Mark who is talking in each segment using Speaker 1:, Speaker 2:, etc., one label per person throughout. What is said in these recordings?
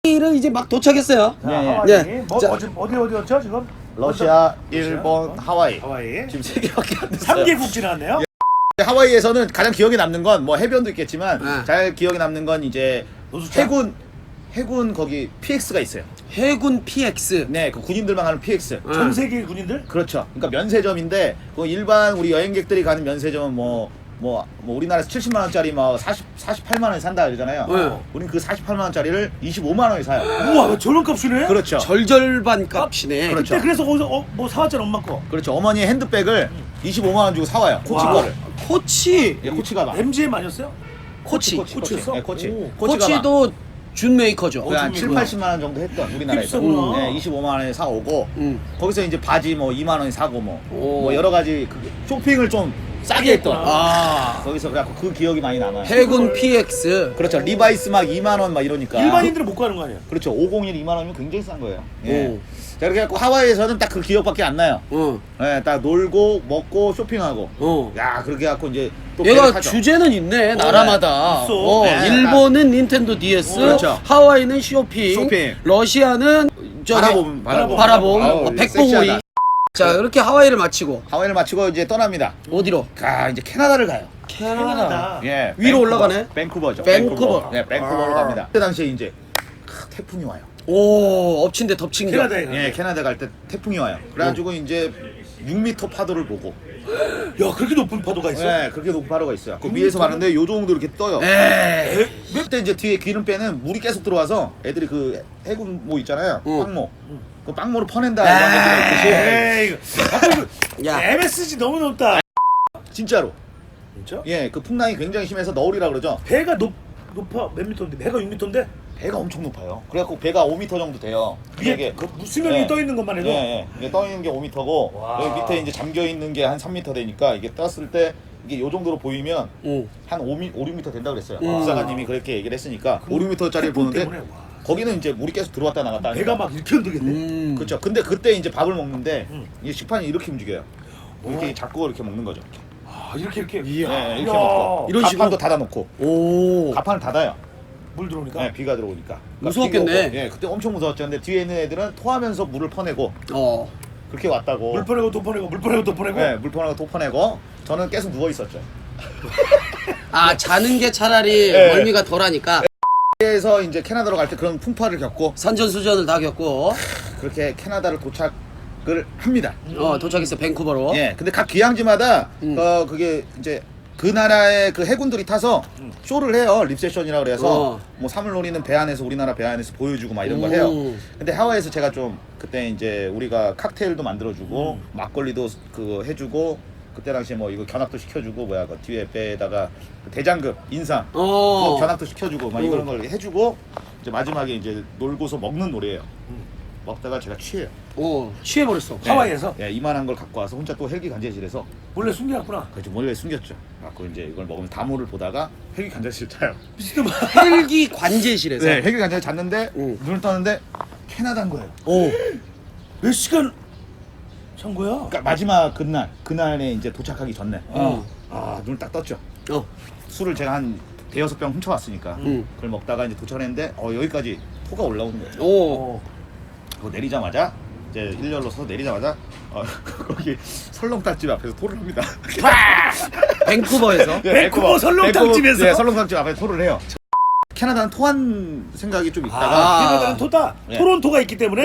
Speaker 1: 를 이제 막 도착했어요.
Speaker 2: 자,
Speaker 3: 예, 예.
Speaker 2: 하와이.
Speaker 1: 네.
Speaker 2: 뭐,
Speaker 1: 자.
Speaker 2: 어디였죠 지금?
Speaker 3: 러시아, 일본, 하와이.
Speaker 2: 하와이.
Speaker 3: 지금 3개밖에 안 됐어요.
Speaker 2: 3개국 지났네요.
Speaker 3: 하와이에서는 가장 기억에 남는 건 뭐 해변도 있겠지만
Speaker 1: 네.
Speaker 3: 잘 기억에 남는 건 이제
Speaker 2: 노숙자?
Speaker 3: 해군 거기 PX가 있어요.
Speaker 1: 해군 PX.
Speaker 3: 네, 그 군인들만 가는 PX.
Speaker 2: 전 세계 군인들?
Speaker 3: 그렇죠. 그러니까 면세점인데 그 일반 우리 여행객들이 가는 면세점은 뭐 우리나라에서 70만 원짜리 뭐 48만 원에 산다 그러잖아요.
Speaker 1: 네.
Speaker 3: 우린 그 48만 원짜리를 25만 원에 사요.
Speaker 2: 우와, 저런 값이네.
Speaker 3: 그렇죠.
Speaker 1: 절절반 값이네.
Speaker 3: 그렇죠.
Speaker 2: 그때 그래서 거기서 뭐 사왔잖아, 엄마 거.
Speaker 3: 그렇죠. 어머니의 핸드백을 25만 원 주고 사와요. 코치
Speaker 2: 와.
Speaker 3: 거를.
Speaker 1: 코치.
Speaker 3: 예, 코치 가방.
Speaker 2: MGM 아니었어요?
Speaker 1: 코치.
Speaker 2: 코치였어?
Speaker 3: 네, 코치.
Speaker 2: 오.
Speaker 3: 코치 가방.
Speaker 1: 코치도 준 메이커죠.
Speaker 3: 거의 한 7,
Speaker 2: 준비구나.
Speaker 3: 80만 원 정도 했던 우리나라에서.
Speaker 2: 힙스구나.
Speaker 3: 네, 25만 원에 사오고 거기서 이제 바지 뭐 2만 원에 사고 뭐 여러 가지 그 쇼핑을 좀 싸게 했던.
Speaker 1: 아.
Speaker 3: 거기서 그래갖고 그 기억이 많이 남아요.
Speaker 1: 해군 PX.
Speaker 3: 그렇죠. 리바이스 막 2만 원 막 이러니까.
Speaker 2: 일반인들은 못 가는 거 아니야?
Speaker 3: 그렇죠. 501 2만 원이면 굉장히 싼 거예요. 예.
Speaker 1: 오.
Speaker 3: 자, 그렇게 해갖고 하와이에서는 딱 그 기억밖에 안 나요.
Speaker 1: 어.
Speaker 3: 예, 딱 놀고 먹고 쇼핑하고.
Speaker 1: 어.
Speaker 3: 야, 그렇게 해갖고 이제 또
Speaker 1: 얘가
Speaker 3: 배를 타죠.
Speaker 1: 주제는 있네. 나라마다.
Speaker 2: 있어.
Speaker 3: 네,
Speaker 1: 일본은 닌텐도 DS,
Speaker 3: 그렇죠.
Speaker 1: 하와이는 쇼핑,
Speaker 3: 쇼핑.
Speaker 1: 러시아는 저기
Speaker 3: 바라봄.
Speaker 1: 바라봄,
Speaker 3: 아우,
Speaker 1: 백봉오리.
Speaker 3: 섹시하다.
Speaker 1: 자, 이렇게 하와이를 마치고
Speaker 3: 하와이를 마치고 이제 떠납니다.
Speaker 1: 어디로?
Speaker 3: 이제 캐나다를 가요.
Speaker 2: 캐나다.
Speaker 3: 예.
Speaker 1: 위로
Speaker 3: 밴쿠버.
Speaker 1: 올라가네?
Speaker 3: 밴쿠버죠.
Speaker 1: 밴쿠버.
Speaker 3: 네, 밴쿠버로
Speaker 1: 아.
Speaker 3: 갑니다. 그때 당시에 이제 태풍이 와요.
Speaker 1: 오, 엎친 데 덮친 겨.
Speaker 2: 캐나다에 가.
Speaker 3: 예, 캐나다 갈 때 태풍이 와요. 그래가지고 이제 6m 파도를 보고.
Speaker 2: 야, 그렇게 높은 파도가 있어?
Speaker 3: 네, 그렇게 높은 파도가 있어요. 그 위에서 봤는데 요 정도 이렇게 떠요.
Speaker 1: 에이.
Speaker 3: 그때 이제 뒤에 기름 빼는 물이 계속 들어와서 애들이 그 해군 모 있잖아요. 빵모. 그 빵모를 퍼낸다 이런 얘기가 있듯이.
Speaker 2: 에이,
Speaker 1: 야.
Speaker 2: MSG 너무 높다.
Speaker 3: 진짜로.
Speaker 2: 진짜?
Speaker 3: 예, 그 풍랑이 굉장히 심해서 너울이라 그러죠.
Speaker 2: 배가 높아 몇 미터인데? 배가 6미터인데?
Speaker 3: 배가 엄청 높아요. 그래갖고 배가 5m 정도 돼요.
Speaker 2: 위에 그 수면이
Speaker 3: 예.
Speaker 2: 떠 있는 것만 해도.
Speaker 3: 예, 예. 이게 떠 있는 게 5m고
Speaker 2: 와.
Speaker 3: 여기 밑에 이제 잠겨 있는 게 한 3m 되니까 이게 떴을 때 이게 요 정도로 보이면
Speaker 1: 오.
Speaker 3: 한 5, 6m 된다 그랬어요. 부사관님이 그렇게 얘기를 했으니까 5, 6m짜리를
Speaker 2: 태풍
Speaker 3: 보는데
Speaker 2: 때문에, 와.
Speaker 3: 거기는 이제 물이 계속 들어왔다 나갔다
Speaker 2: 배가
Speaker 3: 하니까.
Speaker 2: 막 이렇게 흔들겠네.
Speaker 3: 그렇죠. 근데 그때 이제 밥을 먹는데
Speaker 2: 음.
Speaker 3: 이게 식판이 이렇게 움직여요. 이렇게 잡고 이렇게 먹는 거죠.
Speaker 2: 아, 이렇게.
Speaker 3: 네, 이렇게
Speaker 2: 이야.
Speaker 3: 먹고
Speaker 1: 이런 식으로?
Speaker 3: 가판도 닫아놓고
Speaker 1: 오.
Speaker 3: 가판을 닫아요.
Speaker 2: 물 들어오니까.
Speaker 3: 네, 비가 들어오니까. 그러니까
Speaker 1: 무서웠겠네.
Speaker 3: 비가 오고, 예, 그때 엄청 무서웠죠. 근데 뒤에 있는 애들은 토하면서 물을 퍼내고
Speaker 1: 어.
Speaker 3: 그렇게 왔다고.
Speaker 2: 물 퍼내고 도 퍼내고 물 퍼내고 도 퍼내고.
Speaker 3: 네, 물 퍼내고 도 퍼내고 저는 계속 누워 있었죠.
Speaker 1: 아, 자는 게 차라리
Speaker 3: 네.
Speaker 1: 멀미가 덜하니까
Speaker 3: 그래서 이제 캐나다로 갈 때 그런 풍파를 겪고
Speaker 1: 산전수전을 다 겪고
Speaker 3: 그렇게 캐나다를 도착을 합니다.
Speaker 1: 도착했어 밴쿠버로.
Speaker 3: 예, 근데 각 귀향지마다 그게 이제 그 나라의 그 해군들이 타서 쇼를 해요. 립세션이라 그래서 뭐 사물놀이는 배 안에서 우리나라 배 안에서 보여주고 막 이런 걸 해요. 근데 하와이에서 제가 좀 그때 이제 우리가 칵테일도 만들어주고 막걸리도 그 해주고 그때 당시에 뭐 이거 견학도 시켜주고 뭐야 그 뒤에 배에다가 그 대장급 인상 그거 견학도 시켜주고 막 이런 걸 해주고 이제 마지막에 이제 놀고서 먹는 노래예요. 먹다가 제가 취해요.
Speaker 1: 오, 취해버렸어.
Speaker 2: 하와이에서?
Speaker 3: 예, 이만한 걸 갖고 와서 혼자 또 헬기 간제실에서
Speaker 2: 원래 숨겨놨구나.
Speaker 3: 그래서 몰래 숨겼죠. 갖고 이제 이걸 먹으면 다모를 보다가 헬기 간제실 자요.
Speaker 2: 미친놈아.
Speaker 1: 헬기 관제실에서.
Speaker 3: 네, 헬기 간제실 잤는데 눈을 떴는데 캐나다인 거예요.
Speaker 1: 오.
Speaker 2: 몇 시간 잔 거야?
Speaker 3: 그러니까 마지막 그날에 이제 도착하기 전에 눈을 딱 떴죠. 술을 제가 한 대여섯 병 훔쳐왔으니까 그걸 먹다가 이제 도착했는데 여기까지 토가 올라오는 거예요.
Speaker 1: 오.
Speaker 3: 그거 내리자마자 이제 일렬로 서서 내리자마자 거기 설렁탕집 앞에서 토를 합니다.
Speaker 1: 밴쿠버에서.
Speaker 2: 밴쿠버 설렁탕집에서?
Speaker 3: 네, 설렁탕집 앞에서 토를 해요. 캐나다는 토한 생각이 좀 있다가
Speaker 2: 캐나다는 토다.
Speaker 3: 네.
Speaker 2: 토론토가 있기 때문에.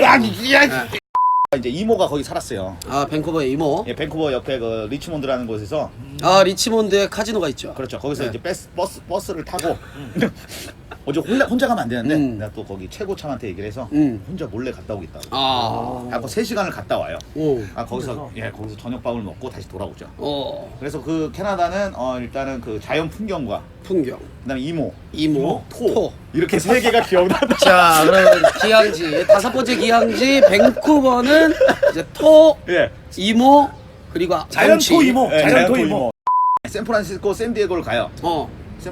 Speaker 3: 이제 이모가 거기 살았어요.
Speaker 1: 아, 밴쿠버의 이모.
Speaker 3: 예, 밴쿠버 옆에 그 리치몬드라는 곳에서
Speaker 1: 아, 리치몬드에 카지노가 있죠.
Speaker 3: 그렇죠. 거기서
Speaker 1: 네.
Speaker 3: 이제 버스를 타고 어제 혼자 가면 안 되는데 내가 또 거기 최고참한테 얘기를 해서 혼자 몰래 갔다 오겠다고. 하고 3시간을 갔다 와요.
Speaker 1: 오.
Speaker 3: 거기서 거기서 저녁밥을 먹고 다시 돌아오죠.
Speaker 1: 그래서
Speaker 3: 그래서 그 캐나다는 일단은 그 자연 풍경과
Speaker 1: 풍경.
Speaker 3: 그다음에 이모,
Speaker 1: 이모.
Speaker 3: 토 이렇게 세 개가 기억난다.
Speaker 1: 자, 그러면 기항지. 5번째 기항지 밴쿠버는 이제 토,
Speaker 3: 예.
Speaker 1: 이모, 그리고
Speaker 2: 자연
Speaker 1: 경치.
Speaker 2: 토 이모.
Speaker 3: 예,
Speaker 2: 자연 토 이모.
Speaker 3: 샌프란시스코 샌디에고를 가요.
Speaker 1: 어.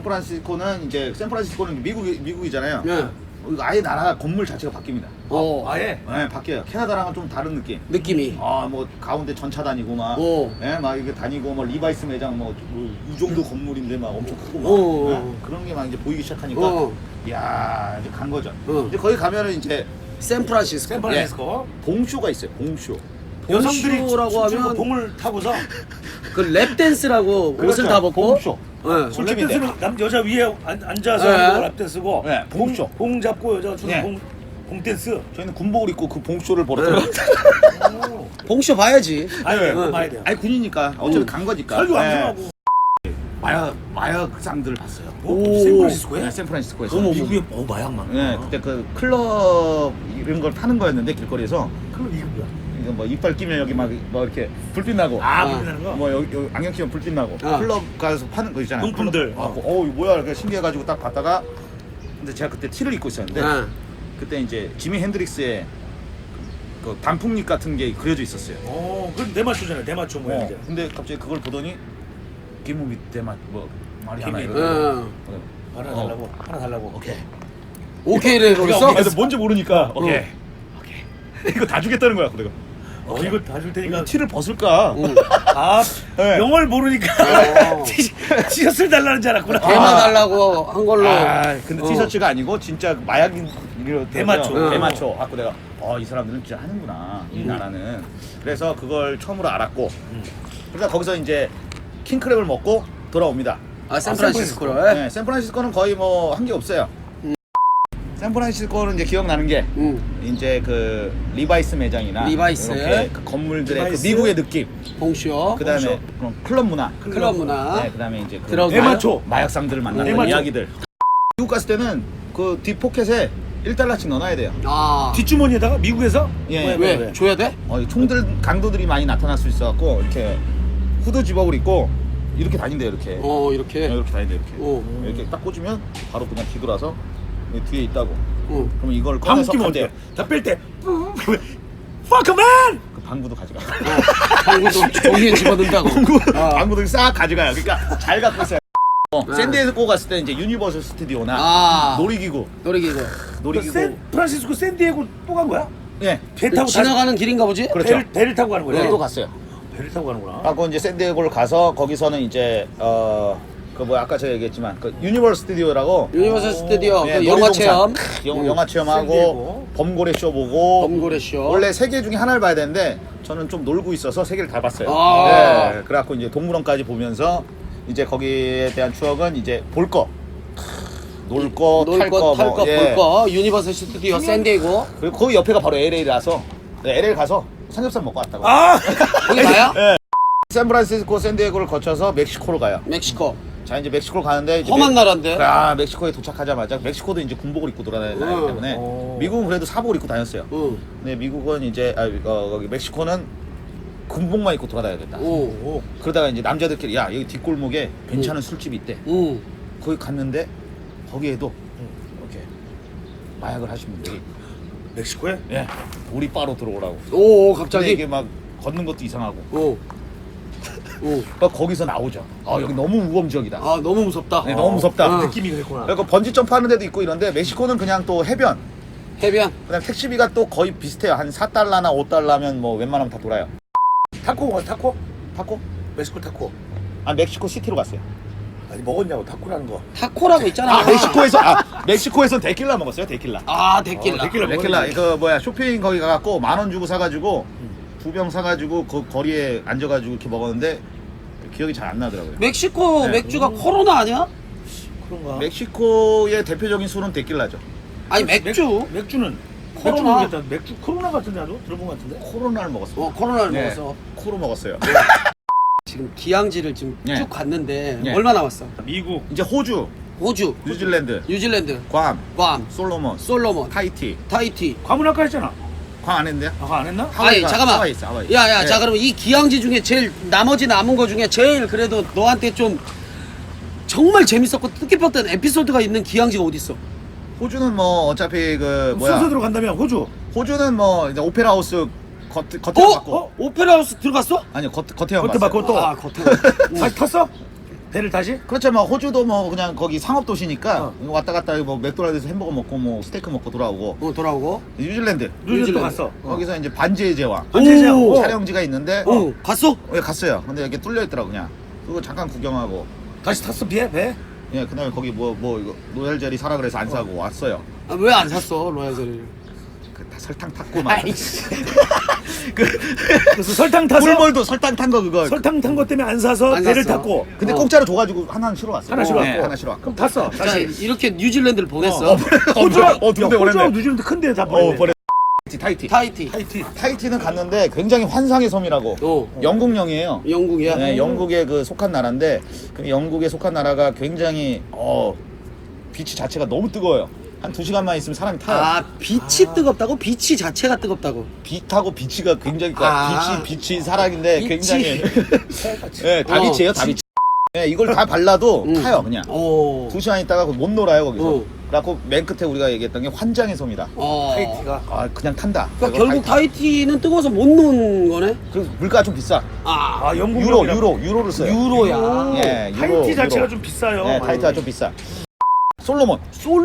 Speaker 3: 샌프란시스코는 미국이잖아요.
Speaker 1: 네.
Speaker 3: 아예 나라가 건물 자체가 바뀝니다.
Speaker 2: 아예.
Speaker 3: 네, 바뀌어요. 캐나다랑은 좀 다른 느낌.
Speaker 1: 느낌이.
Speaker 3: 뭐 가운데 전차 다니고 막, 막 이게 다니고 뭐 리바이스 매장 이 정도 건물인데 막 엄청 크고 막 그런 게 막 이제 보이기 시작하니까 야 이제 간 거죠.
Speaker 1: 응.
Speaker 3: 이제 거기 가면은 이제
Speaker 1: 샌프란시스코.
Speaker 2: 샌프란시스코.
Speaker 3: 봉쇼가 있어요. 봉쇼.
Speaker 2: 여성들이
Speaker 1: 봉쇼라고
Speaker 2: 춤추고
Speaker 1: 하면
Speaker 2: 봉을 타고서
Speaker 1: 그 랩댄스라고
Speaker 3: 그렇죠.
Speaker 1: 옷을 다 벗고.
Speaker 3: 봉쇼.
Speaker 1: 네.
Speaker 3: 술집인데.
Speaker 2: 랩댄스는 남 여자 위에 앉아서
Speaker 1: 네.
Speaker 2: 하는 거 랩댄스고
Speaker 3: 네, 봉쇼.
Speaker 2: 봉 잡고 여자가 추는
Speaker 3: 네.
Speaker 2: 봉댄스.
Speaker 3: 저희는 군복을 입고 그 봉쇼를 보러 들어갔어요.
Speaker 1: 봉쇼 봐야지.
Speaker 2: 아니
Speaker 3: 네.
Speaker 2: 그거 봐야 돼요.
Speaker 3: 아니 군이니까 어차피 간 거니까.
Speaker 2: 설교
Speaker 3: 네.
Speaker 2: 방송하고.
Speaker 3: 마약상들을 봤어요.
Speaker 1: 오.
Speaker 2: 샌프란시스코에?
Speaker 3: 네, 샌프란시스코에서.
Speaker 1: 어머,
Speaker 2: 미국에 마약만.
Speaker 3: 네, 그때 그 클럽 이런 걸 타는 거였는데 길거리에서
Speaker 2: 그럼 이게 뭐야?
Speaker 3: 이거 뭐 이빨 끼면 여기 막 뭐 이렇게 불빛 나고.
Speaker 2: 아, 불나는 거?
Speaker 3: 뭐 여기 안경 끼면 불빛 나고.
Speaker 1: 아.
Speaker 3: 클럽 가서 파는 거 있잖아요.
Speaker 2: 용품들.
Speaker 3: 클럽. 이거 뭐야? 이렇게 신기해가지고 딱 봤다가 근데 제가 그때 티를 입고 있었는데
Speaker 1: 아.
Speaker 3: 그때 이제 지미 핸드릭스의 그 단풍잎 같은 게 그려져 있었어요.
Speaker 2: 그럼 대마초잖아요. 대마초 모양 이제.
Speaker 3: 근데 갑자기 그걸 보더니 김우미 대맛 뭐 말이 하나
Speaker 2: 김이.
Speaker 3: 이러더라고요.
Speaker 1: 응.
Speaker 2: 하나 달라고. 하나 달라고.
Speaker 3: 오케이.
Speaker 1: 오케이를 해버렸어?
Speaker 3: 아, 근데 뭔지 모르니까 오케이. 이거 다 주겠다는 거야. 내가
Speaker 2: 이거 다 줄 테니까.
Speaker 3: 티를 벗을까?
Speaker 1: 응.
Speaker 2: 아,
Speaker 3: 네.
Speaker 2: 영어를 모르니까
Speaker 1: 어.
Speaker 2: 티셔츠를 달라는 줄 알았구나.
Speaker 1: 대마 달라고 한 걸로.
Speaker 3: 아, 근데
Speaker 1: 어.
Speaker 3: 티셔츠가 아니고 진짜 마약인
Speaker 2: 대마초.
Speaker 1: 응.
Speaker 3: 대마초. 갖고 내가 이 사람들은 진짜 하는구나 이 나라는. 그래서 그걸 처음으로 알았고. 그러다 거기서 이제 킹크랩을 먹고 돌아옵니다.
Speaker 1: 아, 샌프란시스코를.
Speaker 3: 네, 샌프란시스코는 거의 뭐 한 게 없어요. 샌프란시스코는 이제 기억나는 게
Speaker 1: 응.
Speaker 3: 이제 그 리바이스 매장이나
Speaker 1: 리바이스.
Speaker 3: 이렇게 그 건물들의
Speaker 2: 리바이스.
Speaker 3: 그 미국의 느낌.
Speaker 1: 봉쇼.
Speaker 3: 그다음에 그런 클럽 문화.
Speaker 1: 클럽 문화.
Speaker 3: 네, 그다음에 이제 그
Speaker 1: 드러그.
Speaker 2: 대마초.
Speaker 3: 마약상들을 만나는
Speaker 2: 대마초.
Speaker 3: 이야기들. 미국 갔을 때는 그 뒷포켓에 1달러씩 넣어놔야 돼요.
Speaker 1: 아.
Speaker 2: 뒷주머니에다가 미국에서
Speaker 3: 예.
Speaker 1: 왜? 줘야 돼?
Speaker 3: 이 총들 강도들이 많이 나타날 수 있어갖고 이렇게 후드 집업을 입고 이렇게 다닌대요. 이렇게.
Speaker 1: 이렇게.
Speaker 3: 이렇게 다닌대 이렇게.
Speaker 1: 어.
Speaker 3: 이렇게 딱 꽂으면 바로 그냥 뒤돌아서 여기 뒤에 있다고.
Speaker 1: 응.
Speaker 3: 그럼 이걸 꺼내서
Speaker 2: 방귀면
Speaker 3: 간대요.
Speaker 2: 어때요? 다 뺄 때 Fuck man!
Speaker 3: 그 방구도 가져가.
Speaker 1: 방구도 종이에 집어넣는다고.
Speaker 3: 방구들 싹 가져가요. 그러니까 잘 갖고 있어요. 샌디에고 갔을 때 이제 유니버설 스튜디오나
Speaker 1: 아.
Speaker 3: 놀이기구.
Speaker 1: 놀이기구.
Speaker 2: 샌프란시스코 샌디에고 또 간 거야?
Speaker 3: 예.
Speaker 2: 배 타고
Speaker 1: 지나가는 길인가 보지?
Speaker 3: 그렇죠.
Speaker 2: 배를 타고 가는 거야?
Speaker 3: 네. 또 갔어요.
Speaker 2: 배를 타고 가는구나.
Speaker 3: 하고 이제 샌디에고를 가서 거기서는 이제 그 뭐 아까 제가 얘기했지만 그 유니버설 스튜디오라고
Speaker 1: 유니버설 스튜디오
Speaker 3: 예,
Speaker 1: 그 영화
Speaker 3: 놀이동산.
Speaker 1: 체험.
Speaker 3: 영화 체험하고
Speaker 2: 샌디에고.
Speaker 3: 범고래 쇼 보고
Speaker 1: 범고래 쇼.
Speaker 3: 원래 세 개 중에 하나를 봐야 되는데 저는 좀 놀고 있어서 세 개를 다 봤어요.
Speaker 1: 아.
Speaker 3: 네, 그래갖고 이제 동물원까지 보면서 이제 거기에 대한 추억은 이제 볼 거, 놀 거, 탈 거,
Speaker 1: 놀 거,
Speaker 3: 예.
Speaker 1: 볼 거. 유니버설 스튜디오 샌디에고.
Speaker 3: 그리고 거기 옆에가 바로 LA라서 LA 가서 삼겹살 먹고 왔다고.
Speaker 2: 아!
Speaker 1: 거기 가요?
Speaker 3: 예. 샌프란시스코 샌디에고를 거쳐서 멕시코로 가요.
Speaker 1: 멕시코.
Speaker 3: 자 이제 멕시코로 가는데 이제
Speaker 1: 험한 나라인데.
Speaker 3: 멕시코에 도착하자마자 멕시코도 이제 군복을 입고 돌아다니기
Speaker 1: 응.
Speaker 3: 때문에
Speaker 2: 어.
Speaker 3: 미국은 그래도 사복을 입고 다녔어요.
Speaker 1: 응.
Speaker 3: 근데 미국은 이제 거기 멕시코는 군복만 입고 돌아다녀야겠다.
Speaker 1: 오.
Speaker 3: 그러다가 이제 남자들끼리 야 여기 뒷골목에 괜찮은 술집이 있대.
Speaker 1: 응.
Speaker 3: 거기 갔는데 거기에도 이렇게 마약을 하신 분들이
Speaker 2: 멕시코에?
Speaker 3: 예 우리 바로 들어오라고.
Speaker 1: 오,
Speaker 3: 근데
Speaker 1: 갑자기.
Speaker 3: 이게 막 걷는 것도 이상하고.
Speaker 1: 오. 오.
Speaker 3: 그러니까 거기서 나오죠. 여기 너무 우범 지역이다.
Speaker 1: 아, 너무 무섭다.
Speaker 3: 네, 너무 무섭다.
Speaker 1: 어.
Speaker 2: 느낌이 그랬구나.
Speaker 3: 그리고 번지 점프하는 데도 있고 이런데 멕시코는 그냥 또 해변.
Speaker 1: 해변.
Speaker 3: 그다음 택시비가 또 거의 비슷해요. 한 4달러나 5달러면 뭐 웬만하면 다 돌아요.
Speaker 2: 타코?
Speaker 3: 타코?
Speaker 2: 멕시코 타코.
Speaker 3: 멕시코 시티로 갔어요.
Speaker 2: 아니 먹었냐고 타코라는 거.
Speaker 1: 타코라고 있잖아.
Speaker 3: 멕시코에선 데킬라 먹었어요. 데킬라.
Speaker 1: 아, 데킬라.
Speaker 3: 데킬라 이거 뭐야 쇼핑 거기 가갖고 10,000원 주고 사가지고 2병 사가지고 그 거리에 앉아가지고 이렇게 먹었는데 기억이 잘 안 나더라고요.
Speaker 1: 멕시코
Speaker 3: 네.
Speaker 1: 맥주가 코로나 아니야?
Speaker 2: 그런가?
Speaker 3: 멕시코의 대표적인 술은 데킬라죠.
Speaker 1: 아니, 맥주.
Speaker 2: 맥주는
Speaker 1: 코로나.
Speaker 2: 맥주 모르겠다. 맥주 코로나 같은데 나도 들어본 것 같은데.
Speaker 3: 코로나를 먹었어요.
Speaker 1: 코로나를
Speaker 3: 네.
Speaker 1: 먹어서.
Speaker 3: 코로 먹었어요.
Speaker 1: 지금 기항지를 지금
Speaker 3: 네.
Speaker 1: 쭉 갔는데
Speaker 3: 네.
Speaker 1: 얼마 남았어?
Speaker 2: 미국.
Speaker 3: 이제 호주,
Speaker 1: 호주,
Speaker 3: 뉴질랜드,
Speaker 1: 뉴질랜드,
Speaker 3: 괌,
Speaker 1: 괌,
Speaker 3: 솔로몬,
Speaker 1: 솔로몬,
Speaker 3: 타이티.
Speaker 1: 타이티.
Speaker 2: 과문 아까 했잖아.
Speaker 3: 괌 안 했는데요?
Speaker 2: 아까 안 했나?
Speaker 1: 아니,
Speaker 3: 하와이가-
Speaker 1: 잠깐만.
Speaker 3: 하와이 있어, 하와이.
Speaker 1: 야야,
Speaker 3: 네.
Speaker 1: 자 그럼 이 기항지 중에 제일 나머지 남은 거 중에 제일 그래도 너한테 좀 정말 재밌었고 뜻깊었던 에피소드가 있는 기항지가 어디 있어?
Speaker 3: 호주는 뭐 어차피 그 뭐야?
Speaker 2: 순서대로 간다면 호주.
Speaker 3: 호주는 뭐 이제 오페라 하우스 겉에
Speaker 1: 어?
Speaker 3: 봤고
Speaker 1: 오페라 하우스 들어갔어?
Speaker 3: 아니요 겉에만
Speaker 2: 겉에
Speaker 3: 봤어요.
Speaker 2: 봤고 또.
Speaker 1: 아, 겉에.
Speaker 2: 다시 탔어? 배를 다시?
Speaker 3: 그렇죠. 뭐 호주도 뭐 그냥 거기 상업 도시니까
Speaker 2: 어.
Speaker 3: 왔다 갔다 뭐 맥도날드에서 햄버거 먹고 뭐 스테이크 먹고 돌아오고.
Speaker 1: 돌아오고.
Speaker 3: 뉴질랜드
Speaker 2: 뉴질랜드 갔어.
Speaker 3: 거기서 이제 반지의 제왕
Speaker 2: 반지의
Speaker 1: 오.
Speaker 2: 제왕.
Speaker 3: 촬영지가 있는데
Speaker 1: 갔어?
Speaker 3: 예, 갔어요. 근데 이렇게 뚫려 있더라고 그냥. 그거 잠깐 구경하고.
Speaker 2: 다시 탔어 배?
Speaker 3: 예, 그다음에 거기 뭐 이거 로얄 젤리 사라 그래서 안 사고 왔어요.
Speaker 1: 아, 왜 안 샀어 로얄 젤리?
Speaker 3: 다 설탕 탔고 막.
Speaker 2: 그래서 설탕 타서
Speaker 3: 꿀벌도 설탕 탄 거 그거.
Speaker 2: 설탕 탄 것 때문에 안 사서
Speaker 1: 안
Speaker 2: 배를
Speaker 1: 샀어.
Speaker 2: 탔고.
Speaker 3: 근데 공짜로 줘가지고 하나는 실어 왔어.
Speaker 2: 하나 실어 왔고.
Speaker 3: 하나 실어 왔고.
Speaker 2: 그럼 탔어.
Speaker 1: 자,
Speaker 2: 다시.
Speaker 1: 이렇게 뉴질랜드를 보냈어.
Speaker 2: 호주하고
Speaker 3: 두 군데 보냈네.
Speaker 2: 뉴질랜드 큰데 다 보냈네.
Speaker 3: 버려. 타이티.
Speaker 1: 타이티.
Speaker 3: 타이티는 갔는데 굉장히 환상의 섬이라고. 영국령이에요.
Speaker 1: 영국이야.
Speaker 3: 네, 영국에 그 속한 나라인데 그 영국에 속한 나라가 굉장히 비치 자체가 너무 뜨거워요. 한 2시간만 있으면 사람이 타요.
Speaker 1: 아 빛이 뜨겁다고? 빛이 자체가 뜨겁다고.
Speaker 3: 빛하고 비치가 굉장히 빛이 사랑인데
Speaker 1: 빛이.
Speaker 3: 굉장히 네, 다비치예요, 다비치. 네, 이걸 다 발라도 타요, 그냥. 2시간 있다가 못 놀아요, 거기서. 그래갖고 맨 끝에 우리가 얘기했던 게 환장의 섬이다.
Speaker 2: 타이티가.
Speaker 3: 아, 그냥 탄다.
Speaker 1: 그러니까 결국 타이티는 뜨거워서 못 노는 거네.
Speaker 3: 그 물가가 좀 비싸.
Speaker 1: 아
Speaker 2: 영국
Speaker 3: 유로를 써요.
Speaker 1: 유로야.
Speaker 3: 예,
Speaker 2: 타이티 자체가 좀 비싸요.
Speaker 3: 네, 타이티가 좀 비싸. 솔로몬.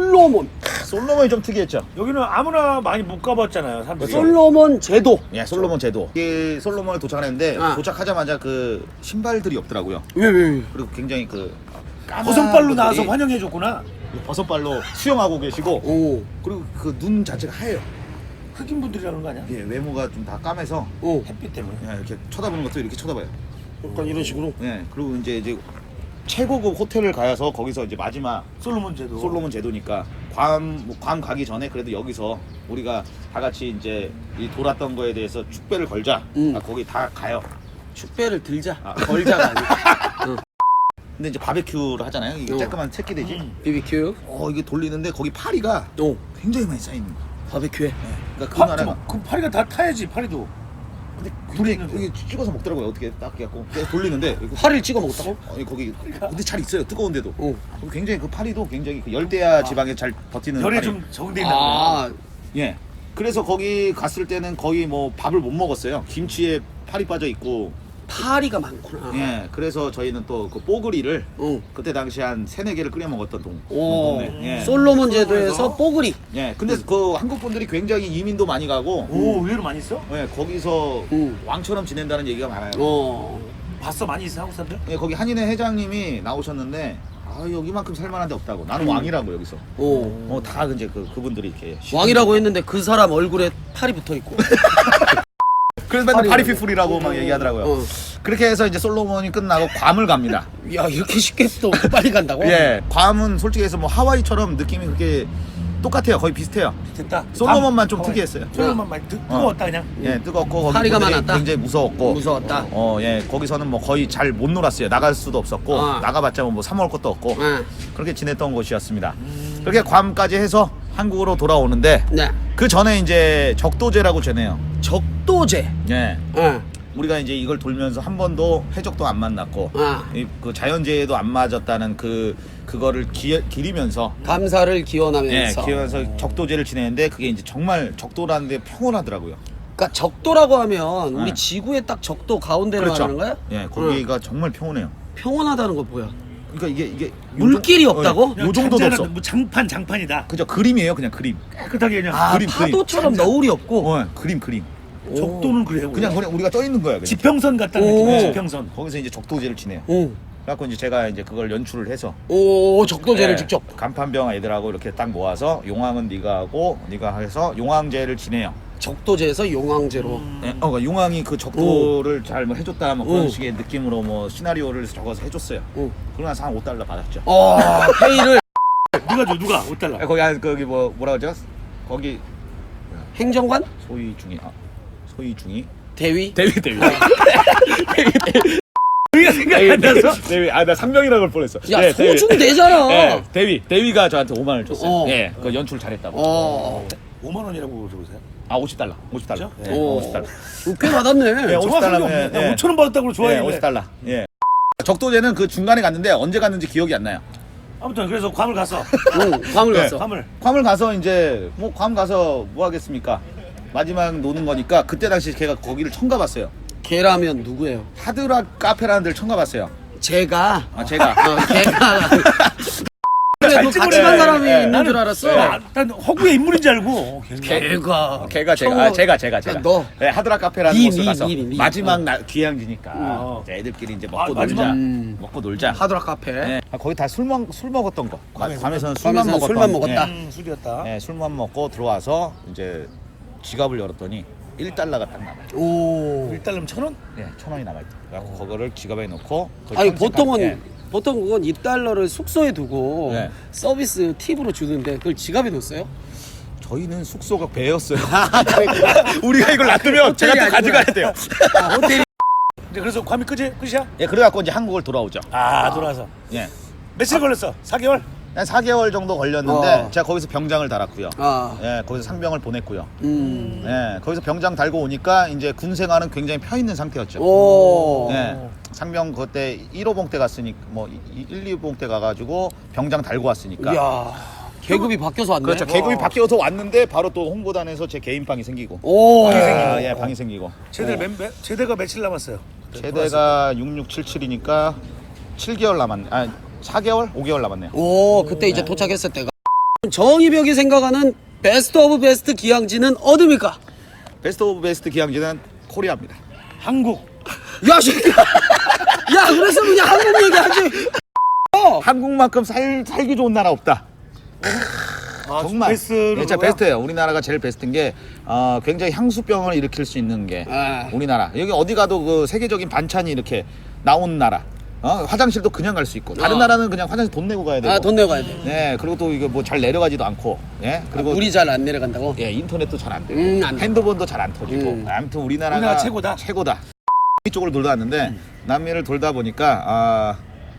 Speaker 3: 솔로몬이 좀 특이했죠.
Speaker 2: 여기는 아무나 많이 못 가봤잖아요, 사람들이.
Speaker 1: 솔로몬 제도.
Speaker 3: 예, 솔로몬 제도. 이 솔로몬을 도착했는데 도착하자마자 그 신발들이 없더라고요.
Speaker 1: 왜?
Speaker 3: 그리고 굉장히 그
Speaker 2: 버선발로 나와서 환영해줬구나.
Speaker 3: 버선발로 수영하고 계시고 그리고 그 눈 자체가 하얘요.
Speaker 2: 흑인 분들이라는 거 아니야?
Speaker 3: 예, 외모가 좀 다 까매서
Speaker 2: 햇빛 때문에.
Speaker 3: 예, 이렇게 쳐다보는 것도 이렇게 쳐다봐요.
Speaker 1: 약간 이런 식으로.
Speaker 3: 예, 그리고 이제 최고급 호텔을 가서 거기서 이제 마지막
Speaker 2: 솔로몬
Speaker 3: 제도니까 괌 가기 전에 그래도 여기서 우리가 다 같이 이제 이 돌았던 거에 대해서 축배를 걸자. 거기 다 가요.
Speaker 1: 축배를 들자. 걸자가 아니고.
Speaker 3: 근데 이제 바베큐를 하잖아요. 이게 쬐끄만 새끼돼지.
Speaker 1: BBQ.
Speaker 3: 이게 돌리는데 거기 파리가 굉장히 많이 쌓이는 거야.
Speaker 1: 바베큐에.
Speaker 3: 그러니까 그 나라가.
Speaker 2: 그 파리가 다 타야지, 파리도.
Speaker 3: 근데 둘이 이게 찍어서 먹더라고요. 어떻게 딱 해갖고 계속 돌리는데
Speaker 1: 파리를 찍어 먹었다고?
Speaker 3: 거기 근데 잘 있어요. 뜨거운데도. 굉장히 그 파리도 굉장히 그 열대야 지방에 잘 버티는.
Speaker 2: 열에
Speaker 3: 파리.
Speaker 2: 좀 적응돼 있나 보네.
Speaker 3: 예. 그래서 거기 갔을 때는 거의 뭐 밥을 못 먹었어요. 김치에 파리 빠져 있고.
Speaker 1: 파리가 많구나.
Speaker 3: 예. 그래서 저희는 또 그 뽀글이를 그때 당시 한 3-4개를 끓여 먹었던 동네. 예.
Speaker 1: 솔로몬 제도에서 뽀글이.
Speaker 3: 예. 근데 그 한국 분들이 굉장히 이민도 많이 가고.
Speaker 2: 의외로 많이 있어?
Speaker 3: 예. 거기서 왕처럼 지낸다는 얘기가 많아요.
Speaker 2: 봤어, 많이 있어, 한국 사람들?
Speaker 3: 예. 거기 한인회 회장님이 나오셨는데 여기만큼 살만한 데 없다고. 나는 왕이라고 여기서. 다 이제 그분들이 이렇게
Speaker 1: 왕이라고 했는데 그 사람 얼굴에 팔이 붙어 있고.
Speaker 3: 그래서 맨날 파리피플이라고 막 얘기하더라고요. 그렇게 해서 이제 솔로몬이 끝나고 괌을 갑니다.
Speaker 1: 야 이렇게 쉽게 또 빨리 간다고?
Speaker 3: 예, 괌은 솔직히 해서 뭐 하와이처럼 느낌이 그렇게 똑같아요. 거의 비슷해요.
Speaker 2: 됐다.
Speaker 3: 솔로몬만 좀 특이했어요.
Speaker 2: 솔로몬만 많이 뜨거웠다 그냥.
Speaker 3: 예, 뜨겁고 거기
Speaker 1: 파리가
Speaker 3: 분들이
Speaker 1: 많았다?
Speaker 3: 굉장히 무서웠고.
Speaker 1: 무서웠다.
Speaker 3: 예, 거기서는 뭐 거의 잘 못 놀았어요. 나갈 수도 없었고 나가봤자 뭐 사 먹을 것도 없고 그렇게 지냈던 곳이었습니다. 그렇게 괌까지 해서 한국으로 돌아오는데 그 전에 이제 적도제라고 지내요.
Speaker 1: 적도제.
Speaker 3: 예. 우리가 이제 이걸 돌면서 한 번도 해적도 안 만났고 그 자연재해도 안 맞았다는 그거를 기리면서
Speaker 1: 감사를 기원하면서.
Speaker 3: 기원하면서 적도제를 지내는데 그게 이제 정말 적도라는 데 평온하더라고요.
Speaker 1: 그러니까 적도라고 하면 우리 지구의 딱 적도 가운데를 말하는 거야?
Speaker 3: 예, 거기가 정말 평온해요.
Speaker 1: 평온하다는 거 뭐야?
Speaker 3: 그러니까 이게
Speaker 1: 물길이 없다고?
Speaker 3: 요 정도도 없어.
Speaker 2: 뭐 장판이다.
Speaker 3: 그죠, 그림이에요, 그냥 그림.
Speaker 2: 깨끗하게 그냥.
Speaker 3: 그림.
Speaker 1: 파도처럼 너울이 없고.
Speaker 3: 그림.
Speaker 2: 적도는 그래요.
Speaker 3: 그냥 우리가 떠 있는 거야. 그냥.
Speaker 2: 지평선 같다는 느낌이야, 지평선.
Speaker 3: 거기서 이제 적도제를 지내요. 그래갖고 이제 제가 이제 그걸 연출을 해서
Speaker 1: 적도제를 직접.
Speaker 3: 간판병 애들하고 이렇게 딱 모아서 용왕은 네가 하고 네가 해서 용왕제를 지내요.
Speaker 1: 적도제에서 용왕제로.
Speaker 3: 그러니까 용왕이 그 적도를 잘 뭐 해줬다 뭐 그런 식의 느낌으로 뭐 시나리오를 적어서 해줬어요. 그러고 나서 한 $5 받았죠.
Speaker 1: 페이를.
Speaker 2: 누가 5달러.
Speaker 3: 거기 뭐라 그러죠? 거기
Speaker 1: 행정관?
Speaker 3: 소위 중이
Speaker 1: 대위?
Speaker 3: 대위.
Speaker 2: 우리가 생각이 안 나서?
Speaker 3: 대위. 나 3명이라고 할 뻔했어.
Speaker 1: 야 소중 되잖아.
Speaker 3: 네, 대위가 저한테 5만 원을 줬어요.
Speaker 1: 예,
Speaker 3: 그 연출 잘했다고.
Speaker 2: 5만 원이라고 적으세요?
Speaker 3: $50.
Speaker 2: 진짜?
Speaker 3: 네, $50.
Speaker 1: 꽤 받았네.
Speaker 3: 네,
Speaker 2: $50. 5천 원 받았다고 좋아했는데.
Speaker 3: $50. 예. 적도제는 그 중간에 갔는데 언제 갔는지 기억이 안 나요.
Speaker 2: 아무튼 그래서 괌을 갔어.
Speaker 1: 괌을 갔어.
Speaker 2: 괌을
Speaker 3: 가서 이제 괌 가서 뭐 하겠습니까? 마지막 노는 거니까 그때 당시 걔가 거기를 처음 가봤어요.
Speaker 1: 걔라면 누구예요?
Speaker 3: 하드락 카페라는 데를 처음 가봤어요.
Speaker 1: 제가.
Speaker 3: 제가.
Speaker 1: 걔가. 너 같이 간 사람이 있는 줄 알았어.
Speaker 2: 난 허구의 인물인 줄 알고.
Speaker 1: 걔가
Speaker 3: 제가
Speaker 1: 너.
Speaker 3: 네, 하드락 카페라는
Speaker 1: 니,
Speaker 3: 곳을
Speaker 1: 니,
Speaker 3: 가서
Speaker 1: 니, 니.
Speaker 3: 마지막 귀향지니까 이제 애들끼리 이제 먹고
Speaker 2: 마지막?
Speaker 3: 놀자. 먹고 놀자.
Speaker 1: 하드락 카페.
Speaker 3: 네. 거기 다 술 먹었던 거. 밤에서는
Speaker 1: 술만 먹었다.
Speaker 2: 술이었다.
Speaker 3: 네, 술만 먹고 들어와서 이제 지갑을 열었더니 1달러가 딱 남아요.
Speaker 1: 오.
Speaker 2: 1달러면 1,000원?
Speaker 3: 네, 1,000원이 남아있죠. 그래서 그거를 지갑에 넣고.
Speaker 1: 아니 보통 그건 2달러를 숙소에 두고
Speaker 3: 네.
Speaker 1: 서비스 팁으로 주는데 그걸 지갑에 넣었어요?
Speaker 3: 저희는 숙소가 배였어요.
Speaker 1: 그러니까.
Speaker 3: 우리가 이걸 놔두면 제가 또 가져가야 돼요.
Speaker 1: 호텔이
Speaker 2: 이제 그래서 괌이 끝이야?
Speaker 3: 예, 그래갖고 이제 한국을 돌아오죠.
Speaker 2: 돌아와서.
Speaker 3: 예.
Speaker 2: 며칠 걸렸어? 4개월?
Speaker 3: 한 4개월 정도 걸렸는데 제가 거기서 병장을 달았고요. 예, 거기서 상병을 보냈고요. 예, 거기서 병장 달고 오니까 이제 군 생활은 굉장히 펴 있는 상태였죠.
Speaker 1: 오.
Speaker 3: 예, 상병 그때 1호봉 때 갔으니까 뭐 1, 2봉 때 가가지고 병장 달고 왔으니까.
Speaker 1: 이야. 계급이 바뀌어서 왔네.
Speaker 3: 그렇죠. 계급이 바뀌어서 왔는데 바로 또 홍보단에서 제 개인 방이 생기고.
Speaker 1: 오.
Speaker 3: 예, 방이 생기고.
Speaker 2: 제대가 며칠 남았어요?
Speaker 3: 제대가 6677이니까 7개월 남았네. 4개월? 5개월 남았네요.
Speaker 1: 오, 그때 이제 도착했을 때가. 정의벽이 생각하는 베스트 오브 베스트 기항지는 어디입니까?
Speaker 3: 베스트 오브 베스트 기항지는 코리아입니다.
Speaker 2: 한국.
Speaker 1: 야, 새끼야. 야, 그래서 그냥 한국 얘기하지.
Speaker 3: 한국만큼 살기 좋은 나라 없다. 정말
Speaker 2: 베스트로
Speaker 3: 진짜
Speaker 2: 그거야?
Speaker 3: 베스트예요. 우리나라가 제일 베스트인 게 굉장히 향수병을 일으킬 수 있는 게 우리나라. 여기 어디 가도 그 세계적인 반찬이 이렇게 나온 나라. 화장실도 그냥 갈 수 있고 다른 나라는 그냥 화장실 돈 내고 가야 되고.
Speaker 1: 돈 내고 가야 돼.
Speaker 3: 네, 그리고 또 이게 뭐 잘 내려가지도 않고. 예, 그리고
Speaker 1: 물이 잘 안 내려간다고?
Speaker 3: 예, 인터넷도 잘 안 되고
Speaker 1: 안 돼.
Speaker 3: 핸드폰도 잘 안 터지고. 아무튼 우리나라가 최고다. 이쪽으로 돌다 왔는데 남미를 돌다 보니까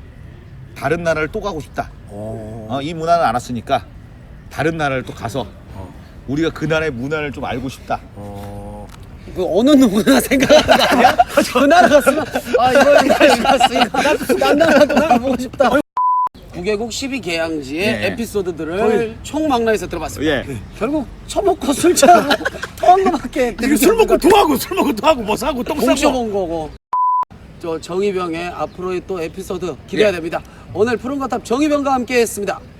Speaker 3: 다른 나라를 또 가고 싶다. 이 문화는 알았으니까 다른 나라를 또 가서 우리가 그 나라의 문화를 좀 알고 싶다.
Speaker 1: 그 어느 누구나 생각하는 거 아니야? 그 나라 갔으면 이걸 갔으니까 딴 나라도 가보고 싶다. 9개국 12개항지의 에피소드들을 총망라해서 들어봤습니다.
Speaker 3: 예.
Speaker 1: 결국 처먹고 술 취하고 토한 거밖에
Speaker 2: 술 먹고 토하고 뭐 사고 똥 싸고
Speaker 1: 뭉쳐본 거고. 저 정의병의 앞으로의 또 에피소드 기대가 됩니다. 오늘 푸른 거탑 정의병과 함께 했습니다.